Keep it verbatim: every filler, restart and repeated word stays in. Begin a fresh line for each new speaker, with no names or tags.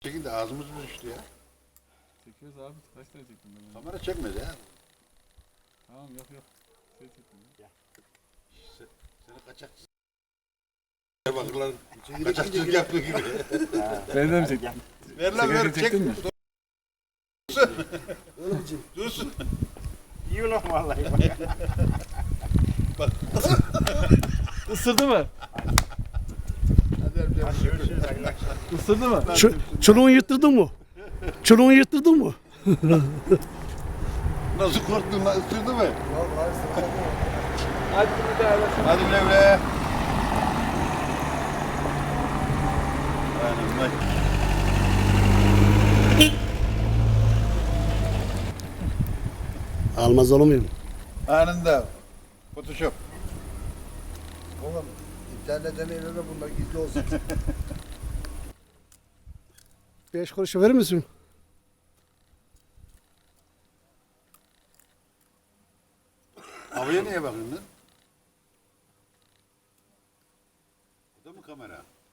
Çekin de ağzımız mı düştü ya?
Çekiyoruz abi. Kaç tane çektim ben? onu?
Kamera çekmedi ya.
Tamam yok yok. Şey çektim. ya.
Se- Seni kaçakçı. Bakırlar kaçakçılık yaptığı gibi.
Ben de mi çektim?
Ver lan ver
Sigaretini
çek.
çektin mi?
Dursun. Dursun.
İyi ulan vallahi.
Bak.
Isırdı mı?
Hadi öpeceğim.
Görüşürüz arkadaşlar.
Isırdı mı?
Ç çuluğunu yırttırdın mı? Çuluğunu yırttırdın mı?
Nasıl korktun lan? Isırdı mı?
Hadi bir daha.
Hadi güle güle. Aynen bak.
Almaz olur muyum?
Anında. Photoshop.
Oğlum internetten eline bunlar gizli olsun.
Beş kuruşu verir misin?
Havaya niye bakıyorsun lan? Bu da mı kamera?